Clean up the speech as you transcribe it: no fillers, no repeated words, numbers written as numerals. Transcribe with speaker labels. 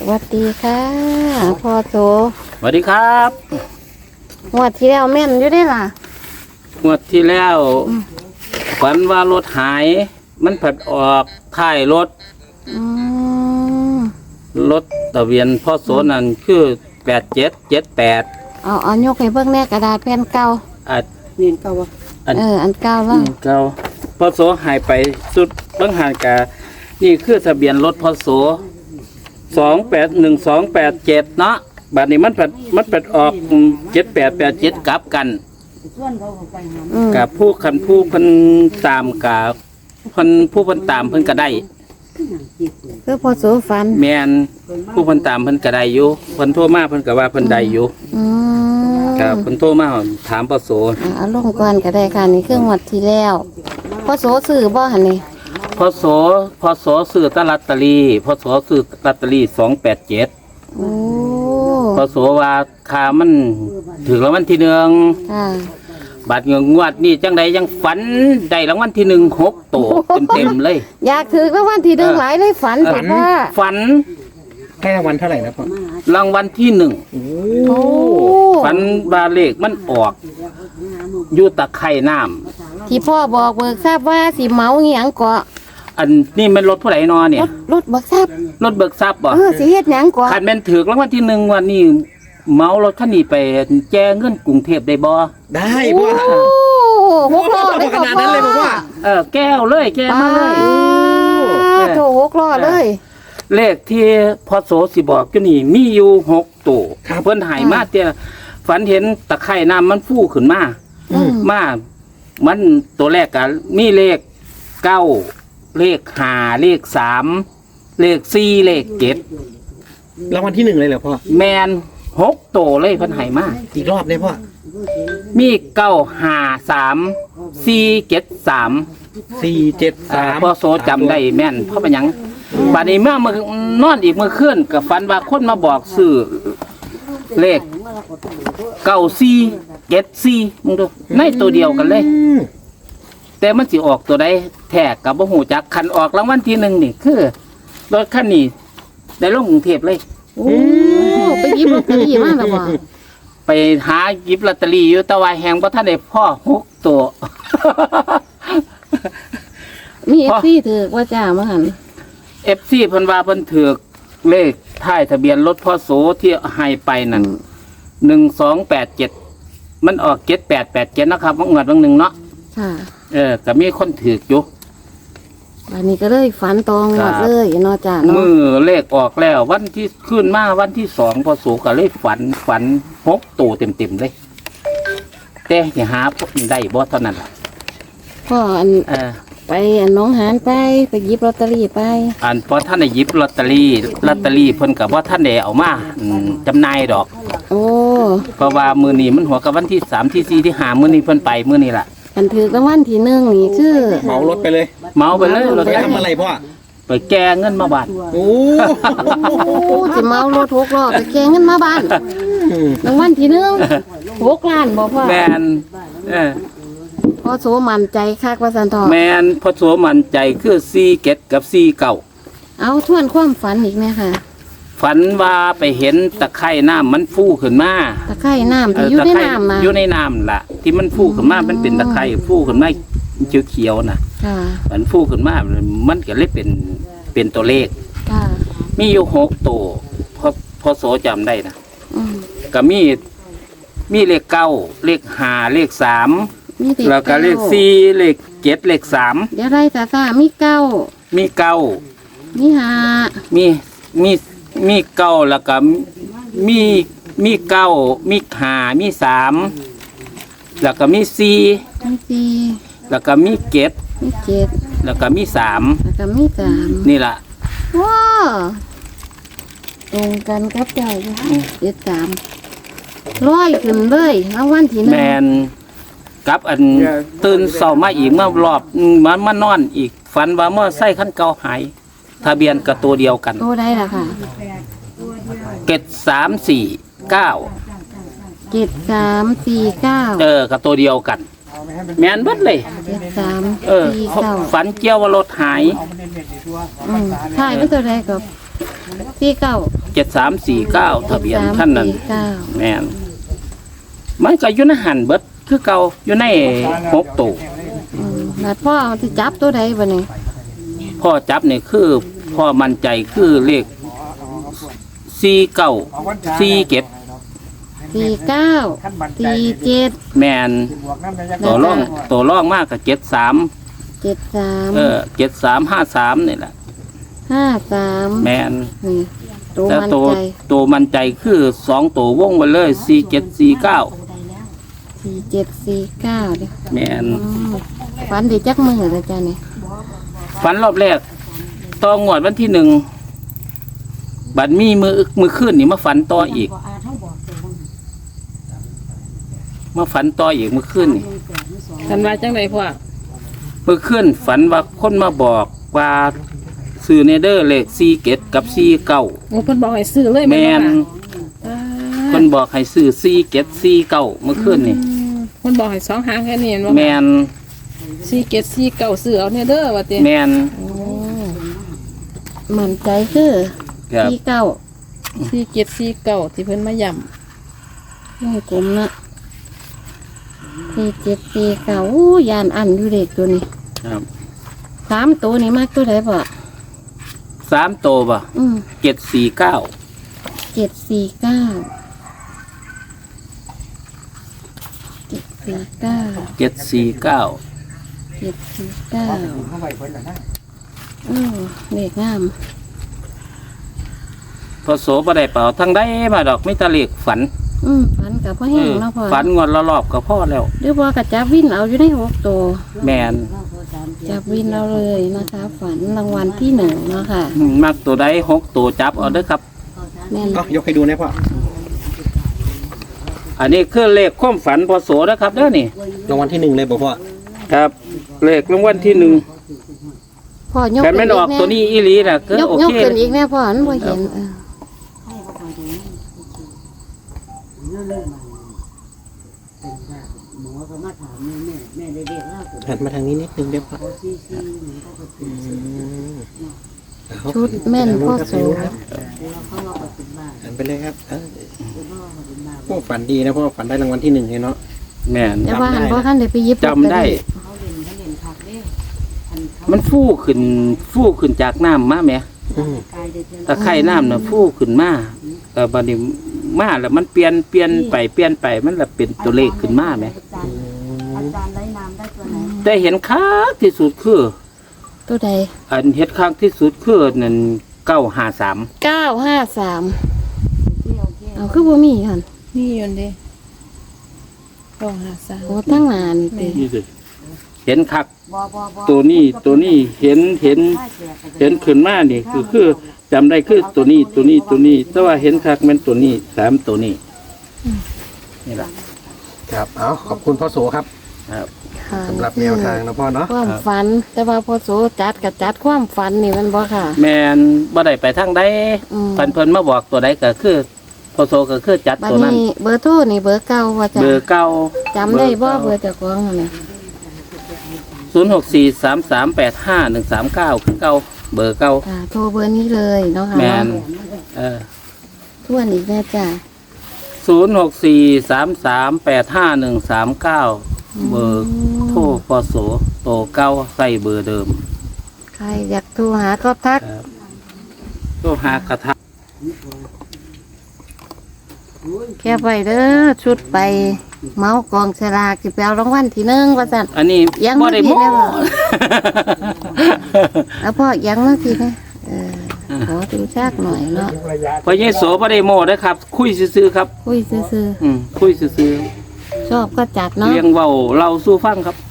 Speaker 1: วัสดีค่ะพ่อโส
Speaker 2: สวัสดีครับ
Speaker 1: งวดที่แล้วแม่นอยู่ได้ล่ะ
Speaker 2: งวดที่แล้วฝันว่ารถหายมันผัดออกท้ายรถรถทะเบียนพ่อโสนั่นคือ8778
Speaker 1: เอายกให้เบิ่งแน่กระดาษแผ่นเก่า
Speaker 3: นี่เก่าวะ
Speaker 1: อันเก่าแล้ว
Speaker 2: เก่าพ่อโสหายไปสุดบางหานกะนี่คือทะเบียนรถพ่อโส281287เนาะบัดนี้มันผัดออก7887กลับกันกับผู้คันผู้เพิ่นตามกับผู้เพิ่นตามเพิ่นก็ได้
Speaker 1: คือพ่อโสฝัน
Speaker 2: แม่นผู้เพิ่นตามเพิ่นก็ได้อยู่เพิ่นโทรมาเพิ่นก็ว่าเพิ่นได้อยู่ครับเพิ่นโทรมาถามพ่อโส
Speaker 1: เอาลงก่อนก็ได้ค่ะนี่คืองวดที่แล้วพ่อโสซื้อบ่หั่นนี่
Speaker 2: พ่อโสซื้อตลอตเตอรี่พ่อโสซื้อลอตเตอรี่287
Speaker 1: โอ้
Speaker 2: พ่อโสว่าค่ามันถึงรางวัลที่1
Speaker 1: ค่ะ
Speaker 2: บัดงวดนี่จังใดยังฝันได้รางวัลที่1 6ตัวเต็มๆเลย
Speaker 1: อยากถือรางวัลที่1หลายเลยฝันแต่ว่า
Speaker 2: ฝัน
Speaker 3: ให้รางวัลเท่าไหร่นะพ่อ
Speaker 2: รางวัลที่1โอ้ฝันบาเลขมันออกอยู่ตะไคร่น้ำ
Speaker 1: ที่พ่อบอกเบิกทราบว่าสิเมาเหียงเกาะ
Speaker 2: อันนี่มันรถผู้ใดนอเนี่ย
Speaker 1: รถเบิกทราบ
Speaker 2: รถเบิกทรัพย์บ่
Speaker 1: สิเฮ็ดหยังเกาะ
Speaker 2: คันแม่นถือรางวัลที่1วันนี้เมารถคันนี้ไปแจ้เงินกรุงเทพได้บ่
Speaker 3: ได้พ่อ
Speaker 1: 6ล้อได้ขนาดนั้นเลย
Speaker 3: พ่อ
Speaker 2: แก้วเลยแก้มาเลย
Speaker 1: โถ6ล้อเลย
Speaker 2: เลขที่พอโสสิบอกอยู่นี่มีอยู่6ตัวเพิ่นให้มาเตี้ยฝันเห็นตะไคร่น้ำมันฟูขึ้นมามันตัวแรกก็มีเลข9เลข5เลข3เลข4เลข7
Speaker 3: รางวัลที่1เลยเหรอพ่อ
Speaker 2: แมน6ตัวเลยเพิ่นให้มา
Speaker 3: อีกรอบได้พ่อ
Speaker 2: มี953 473
Speaker 3: 473
Speaker 2: พอโสจำได้แม่นเพราะเป็นหยังบัดนี้เมื่อนอนอีกเมื่อคืนกับฝันว่าคนมาบอกซื้อเลข9474มึงดูในตัวเดียวกันเลยแต่มันสิออกตัวใดแท้กับบ่ฮู้จักคันออกรางวัลที่1นี่คือรถคันนี้ได้ลงกรุงเทพเลย
Speaker 1: โอ้ไปหยิบลอตเตอรี่มาแล้วบ่
Speaker 2: ไปหาหยิบลอตเตอรี่อยู่แต่ว่าแฮงบ่ทันได้พ่อ6ตัว
Speaker 1: มี FC ถือว่าจ้ามาหั่น
Speaker 2: FC เพิ่นว่าเพิ่นถือเลขท้ายทะเบียนรถพ่อโสที่ให้ไปนั่น1287มันออก7887นะครับงวดนึงเนาะ
Speaker 1: ค่ะ
Speaker 2: ก็มีคนถืออยู่
Speaker 1: อันนี้ก็เลยฝันตองวดเลยเนาะจ้าเนาะ
Speaker 2: มือเลขออกแล้ววันที่ขึ้นมาวันที่2พ่อโสก็เลยฝัน6ตัวเต็มๆเลยแต่สิหาได้บ่เท่านั้นล่ะ
Speaker 1: พ่อไปน้องหานไปหยิบลอตเตอรี่ไป
Speaker 2: พอท่านได้หยิบลอตเตอรี่เพิ่นกับว่าท่านได้เอามาจำหน่ายดอก
Speaker 1: โอ้
Speaker 2: เพราะว่ามื้อนี้มันหัวกับวันที่3ที่4ที่5มื้อนี้เพิ่นไปมื้อนี้ล่ะ
Speaker 1: อันถือรางวัลที่1นี่คือ
Speaker 3: เหมารถไปเลย
Speaker 2: เหมาไปเลยรถ
Speaker 3: ไปทำอะไรพ่อ
Speaker 2: ไปแก้เงินมาบ้าน
Speaker 3: โอ้
Speaker 1: สิเมารถ6ล้อไปแก้เงินมาบ้านรางวัลที่1 6ล้านบ่พ่อ
Speaker 2: แม่น
Speaker 1: พ่อโสมั่นใจคักว่าซั่นทอ
Speaker 2: แม่นพ่อโสมั่นใจคือ47กับ49
Speaker 1: เอาทวนความฝันอีกแม่ค่ะ
Speaker 2: ฝันว่าไปเห็นตะไคร่น้ำมันฟูขึ้นมา
Speaker 1: ตะไคร่น้ำที่อยู่ในน้ำนะ
Speaker 2: อยู่ในน้ำล่ะที่มันฟูขึ้นมามันเป็นตะไคร่ฟูขึ้นมาเขียวๆนะมันฟูขึ้นมามันก็เลยเป็นตัวเลขมีอยู่6ตัวพอโสจำได้นะก็มีเลข9เลข5เลข3แล้วก็เลข4เลข7เลข3
Speaker 1: เดี๋ยวไรซ่ามี9
Speaker 2: มี
Speaker 1: 5
Speaker 2: มี9แล้วก็มี9มี5มี3แล้วก็มี4แล้วก็มี7แล้วก็มี3นี่ล่ะ
Speaker 1: ว้าตรงกันครับเจ้า73ร้อยขึ้นเลยรางวัลที่1
Speaker 2: แม่นกับตื่นเช้ามาอีกมารอบมานอนอีกฝันว่าเมื่อไส้ขั้นเก่าหายทะเบียนกับตัวเดียวกัน
Speaker 1: ตัวใดล่ะค่ะ
Speaker 2: 7349
Speaker 1: กับ
Speaker 2: ตัวเดียวกันแม่นเบิดเลย
Speaker 1: 7349
Speaker 2: ฝันเกี่ยวว่ารถหาย
Speaker 1: หายเป็นตัวใดกับ49
Speaker 2: 7349ทะเบียนท่านนั้น
Speaker 1: 7349
Speaker 2: แม่นมันก็อยู่ในหันเบิดคือเก่าอยู่ใน6ตัว
Speaker 1: แล้วพ่อสิจับตัวใดบัดนี้
Speaker 2: พ่อจับนี่คือพ่อมั่นใจคือเลข49 47
Speaker 1: 49 47
Speaker 2: แม่นตัวร่องมากกับ73
Speaker 1: 73
Speaker 2: 7353นี่แหละ
Speaker 1: 53
Speaker 2: แม่น
Speaker 1: นี่ตัว
Speaker 2: แต่
Speaker 1: มัน
Speaker 2: ตัว
Speaker 1: ใจ
Speaker 2: ตัวมั่นใจคือ2ตัววงไว้เลย4749
Speaker 1: 4749เด้อ
Speaker 2: แม่น
Speaker 1: ฝันได้จักมื้อแล้วจ้ะนี่
Speaker 2: ฝันรอบแรกต่องวดวันที่1บัดมีมือขึ้นนี่มาฝันต่ออีกมาฝันต่ออีกมือขึ้นนี่
Speaker 4: กันว่าจังไดพ่อ
Speaker 2: มือขึ้นฝันว่าคนมาบอกว่าซื้อเนเดอร์เลข47กับ49
Speaker 4: โอ้เพิ่นบอกให้ซื้อเลย
Speaker 2: แม่น
Speaker 4: อ่า
Speaker 2: คนบอกให้ซื้อ4749มือขึ้นนี่
Speaker 4: เพิ่นบอกให้สองหางแค่นี้เห็นบ่
Speaker 2: แม่น
Speaker 4: 4749ซื้อเอาเนี่ยเด้อว่าติ
Speaker 2: แม่น
Speaker 4: โอ้
Speaker 1: มั่นใจคือ
Speaker 2: ครับ
Speaker 4: 4749ที่เพิ่นมาย้ำ
Speaker 1: วงกลมนะ4749อู้ยานอันอยู่เด็กตัวนี้
Speaker 2: ครับ
Speaker 1: 3ตัวนี้มากตัวใดบ่
Speaker 2: 3ตัวป่ะ 749
Speaker 1: 749 749
Speaker 2: 749
Speaker 1: เลขงาม
Speaker 2: พอโสบ่ได้เป่าทั้งได้มาดอกไม่ตะเลขฝัน
Speaker 1: ฝันกับพ่อแห้งเนาะพ่อ
Speaker 2: ฝันงวดละรอบก็พอแล้ว
Speaker 1: หรือว่ากับจับวินเอาอยู่ใน6ตัว
Speaker 2: แม่น
Speaker 1: จับวินเอาเลยนะคะ ฝันรางวัลที่1เนาะค่ะ
Speaker 2: มักตัวใด6ตัวจับเอาเด้อครับ
Speaker 1: แม่น
Speaker 3: เอายกให้ดูนะพ่อ
Speaker 2: อันนี้คือเลขความฝันพอโสนะครับเด้อนี่
Speaker 3: รางวัลที่หนึ่งเลยบอกพ่อ
Speaker 2: ครับเลขรางวัลที่1
Speaker 1: พ่อยก
Speaker 2: แต่ไม่นออกตัวนี้อีหลีน่ะก็
Speaker 1: ยก
Speaker 2: โอย
Speaker 1: ก
Speaker 2: เค
Speaker 1: ขึ้นอีกแน่พ่อมันบ่เห็น
Speaker 3: หันมาทางนี้นิดนึงเดี๋ยวพ่อเอา
Speaker 1: ชุดแม่นพ่อโส
Speaker 3: หันไปเลยครับพ่อฝันดีนะพ่อฝันได้รางวัลที่หนึ่งเลยเนาะ
Speaker 2: แม่น
Speaker 1: แต่ว่าหันพ่อคันได้ไปหยิบ
Speaker 2: จำได้ มันฟูขึ้นจากน้ำมาแหม
Speaker 3: อืม
Speaker 2: ตะไคร่น้ำน่ะฟูขึ้นมาแต่บัดนี้มาแล้วมันเปลี่ยนไปมันละเป็นตัวเลขขึ้นมาแหมแต่เห็นคักที่สุดคือ
Speaker 1: ตัวใด
Speaker 2: อันเห็นคักที่สุดคือนั่น953
Speaker 1: 953เอาคือบ่มีหั่น
Speaker 4: นี่อยู่เด้ต้องหาซะ
Speaker 1: โอ้ตั้งนานติ
Speaker 2: นี่สิเห็นคักตัวนี้เห็นขึ้นมานี่คือจำได้คือตัวนี้แต่ว่าเห็นคักแม่นตัวนี้3ตัวนี้นี่ล่ะ
Speaker 3: ครับเอาขอบคุณพ่อโสครับ
Speaker 2: ครับ
Speaker 1: ค่ะ
Speaker 3: สำหรับแนวทางนะพ่อเนาะ
Speaker 1: ความฝัน แต่ว่าพ่อโสจัดกับจัดความฝันนี่มันบ่ค่ะ
Speaker 2: แม่นบ่ได้ไปทางใด
Speaker 1: อืม
Speaker 2: เพิ่นมาบอกตัวใดก็คือพอโซก็คือจัด
Speaker 1: บัด
Speaker 2: ตัวนั้น
Speaker 1: นี้เบอร์โทรนี่เบอร์เก่าว่าจ้ะ
Speaker 2: เบอร์เก่า
Speaker 1: จำได้บ่เบอร์เจ้าของนั่นน่ะ
Speaker 2: 0643385139คือเก่าเบอร์เก่า
Speaker 1: ค่ะโทรเบอร์นี้เลยเนาะค่ะ
Speaker 2: แม่น
Speaker 1: ทวนอีกแน่จ้ะ
Speaker 2: 0643385139เบอร์โทรพอโสโตเก่าใส่เบอร์เดิม
Speaker 1: ใครอยากโทรหาก็ทัก
Speaker 2: ครับโทรหากระทะ
Speaker 1: แค่ไปเด้อชุดไปเมากองสลากสิไปเอารางวัลที่1ว่าซั่น
Speaker 2: อันนี้
Speaker 1: ยัง
Speaker 2: บ่ได้
Speaker 1: ไม่
Speaker 2: โม้
Speaker 1: ได้บอก แล้วพ่อยังมาทีนะขอดูชากหน่อยเนาะ
Speaker 2: พอเยโสบ่ได้โม้นะครับ คุยซื่อๆครับ
Speaker 1: คุยซื่อ
Speaker 2: คุยซื่อ
Speaker 1: ๆชอบก็จัด
Speaker 2: ๆ
Speaker 1: เนาะ
Speaker 2: เลี้ยงเว้าเราสู้ฟังครับ